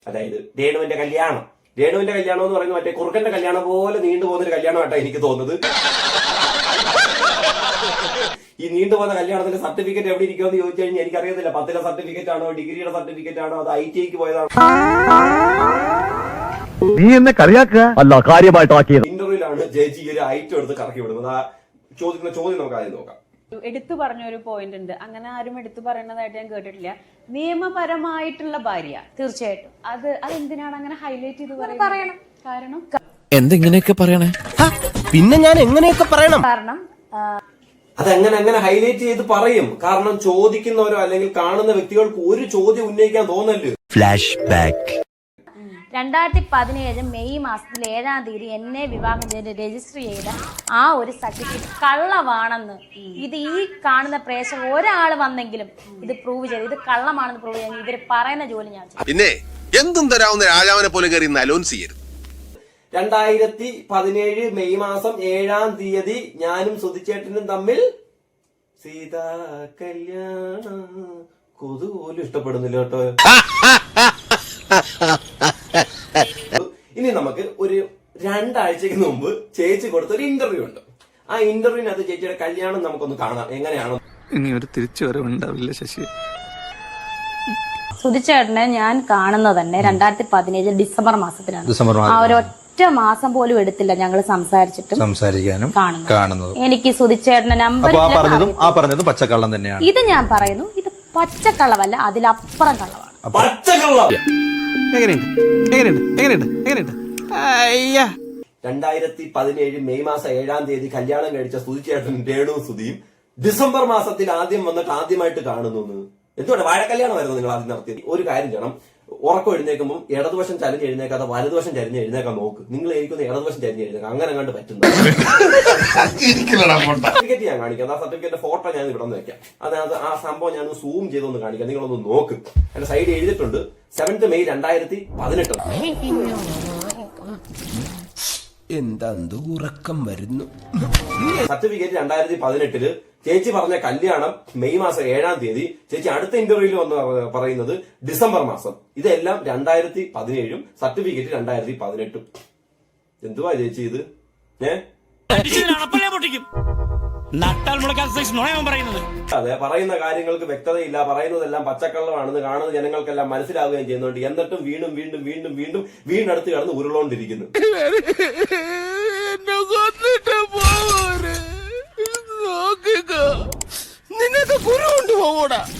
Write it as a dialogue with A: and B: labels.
A: അതായത് രേണുവിന്റെ കല്യാണം എന്ന് പറയുന്നത് മറ്റേ കുറുക്കന്റെ കല്യാണം പോലെ നീണ്ടുപോകുന്നൊരു കല്യാണമായിട്ടാ എനിക്ക് തോന്നുന്നത്. ഈ നീണ്ടുപോകുന്ന കല്യാണത്തിന്റെ സർട്ടിഫിക്കറ്റ് എവിടെ ഇരിക്കുമെന്ന് ചോദിച്ചു കഴിഞ്ഞാൽ എനിക്കറിയത്തില്ല. 10ലെ സർട്ടിഫിക്കറ്റ് ആണോ, ഡിഗ്രിയുടെ സർട്ടിഫിക്കറ്റ് ആണോ, അത് ITIക്ക് പോയതാണോ?
B: നീ എന്നെ കളിയാക്കുക അല്ല, കാര്യമായിട്ടാക്കിയത്.
A: ഇന്റർവ്യൂലാണ് ചേച്ചി ഒരു ഐറ്റം എടുത്ത് കറക്കി വിടുന്നത്. ആ ചോദിക്കുന്ന ചോദ്യം നമുക്ക് ആദ്യം നോക്കാം.
C: എടുത്തു പറഞ്ഞ ഒരു പോയിന്റ് ഉണ്ട്, അങ്ങനെ ആരും എടുത്തു പറയുന്നതായിട്ട് ഞാൻ കേട്ടിട്ടില്ല. നിയമപരമായിട്ടുള്ള ഭാര്യ, തീർച്ചയായിട്ടും അതെന്തിനാണ് അങ്ങനെ ഹൈലൈറ്റ് ചെയ്ത് പറയണം? കാരണം
D: എന്തെങ്ങനെയൊക്കെ പറയണേ,
E: പിന്നെ ഞാൻ എങ്ങനെയൊക്കെ പറയണം?
C: കാരണം
A: അതെങ്ങനെ ഹൈലൈറ്റ് ചെയ്ത് പറയും? കാരണം ചോദിക്കുന്നവരോ അല്ലെങ്കിൽ കാണുന്ന വ്യക്തികൾക്ക് ഒരു ചോദ്യം ഉന്നയിക്കാൻ തോന്നല്.
D: Flash back.
F: 2017 മെയ് മാസത്തിൽ 7-ാം തീയതി എന്നെ വിവാഹം ചെയ്ത് രജിസ്റ്റർ ചെയ്ത ആ ഒരു സർട്ടിഫിക്കറ്റ് കള്ളമാണെന്ന് ഇത് ഈ കാണുന്ന പ്രേക്ഷകർ ഒരാൾ വന്നെങ്കിലും ഇത് പ്രൂവ് ചെയ്ത് ഇത് കള്ളമാണെന്ന് പ്രൂവ് ചെയ്യാൻ ഇവര് പറയുന്ന ജോലി ഞാൻ ചെയ്യും.
G: പിന്നെ എന്തും തരാവുന്ന രാജാവിനെ പോലെ കയറി അലോൻസ് ചെയ്യരുത്.
A: 2017 മെയ് മാസം 7-ാം തീയതി ഞാനും സുധിച്ചേട്ടനും തമ്മിൽ സീതാ കല്യാണം. കൊതു പോലും ഇഷ്ടപ്പെടുന്നില്ല കേട്ടോ. ഇനി നമുക്ക് ഒരു 2 ആഴ്ചക്ക് മുമ്പ് ചേച്ചി കൊടുത്ത ഒരു ഇന്റർവ്യൂ ഉണ്ട്. ആ ഇന്റർവ്യൂവിനകത്ത് ചേച്ചിയുടെ കല്യാണം നമുക്കൊന്ന് കാണാം. എങ്ങനെയാണ്?
H: ഇനി ഒരു തിരിച്ചുവരവുണ്ടാവില്ല ശശി.
F: സുധിച്ചേട്ടനെ ഞാൻ കാണുന്നത് തന്നെ 2017 ഡിസംബർ മാസത്തിലാണ്. ആ ഒരൊറ്റ മാസം പോലും എടുത്തില്ല ഞങ്ങൾ സംസാരിക്കാനും കാണുന്നത്. എനിക്ക് സുധിച്ചേട്ടന്റെ നമ്പർ
B: പറഞ്ഞതും പച്ചക്കള്ളം തന്നെയാണ്.
F: ഇത് ഞാൻ പറയുന്നു, ഇത് പച്ചക്കള്ളമല്ല, അതിലപ്പുറം കള്ളമാണ്.
A: പച്ചക്കള്ളം.
E: എങ്ങനെയുണ്ട്
A: 2017 മെയ് മാസം 7-ാം തീയതി കല്യാണം കഴിച്ച സുധിച്ചേട്ടൻ രേണു സുധിയും ഡിസംബർ മാസത്തിൽ ആദ്യം വന്നിട്ട് ആദ്യമായിട്ട് കാണുന്നു. എന്തുകൊണ്ട് വാഴക്കല്യാണമായിരുന്നു നിങ്ങൾ ആദ്യം നടത്തിയത്? ഒരു കാര്യം ചെയ്യണം, ഉറക്കം എഴുന്നേക്കുമ്പോൾ ഇടതുവശം ചരിഞ്ഞ് എഴുന്നേക്കാതെ വലതുവശം ചരിഞ്ഞ് എഴുന്നേക്കാൻ നോക്ക്. നിങ്ങൾ എനിക്കൊന്ന് ഇടതുവശം ചരിഞ്ഞ് എഴുന്നേക്കാം, അങ്ങനെ കണ്ട് പറ്റുന്നു. സർട്ടിഫിക്കറ്റ് ഞാൻ കാണിക്കാം. ആ സർട്ടിഫിക്കറ്റ് ഫോട്ടോ ഞാൻ ഇവിടെ നിന്ന് വെക്കാം. അതിനകത്ത് ആ സംഭവം ഞാൻ സൂം ചെയ്തൊന്ന് കാണിക്കാം. നിങ്ങളൊന്ന് നോക്ക്. എന്റെ സൈഡ് എഴുതിയിട്ടുണ്ട് 7th മെയ് 2018.
E: എന്താ ഉറക്കം വരുന്നു.
A: സർട്ടിഫിക്കറ്റ് 2018. ചേച്ചി പറഞ്ഞ കല്യാണം മെയ് മാസം 7-ാം തീയതി. ചേച്ചി അടുത്ത ഇന്റർവ്യൂവിൽ വന്ന് പറയുന്നത് ഡിസംബർ മാസം. ഇതെല്ലാം 2017, സർട്ടിഫിക്കറ്റ് 2018. എന്തുവാ ചേച്ചി ഇത്? അതെ, പറയുന്ന കാര്യങ്ങൾക്ക് വ്യക്തതയില്ല. പറയുന്നതെല്ലാം പച്ചക്കള്ളമാണെന്ന് കാണുന്ന ജനങ്ങൾക്കെല്ലാം മനസ്സിലാവുകയും ചെയ്യുന്നുണ്ട്. എന്നിട്ടും വീണ്ടും വീണ്ടും വീണ്ടും വീണ്ടും വീണ്ടടുത്ത് കിടന്ന് ഉരുളോണ്ടിരിക്കുന്നു.
E: നിനക്ക് കുരു കൊണ്ടുപോകൂടാ.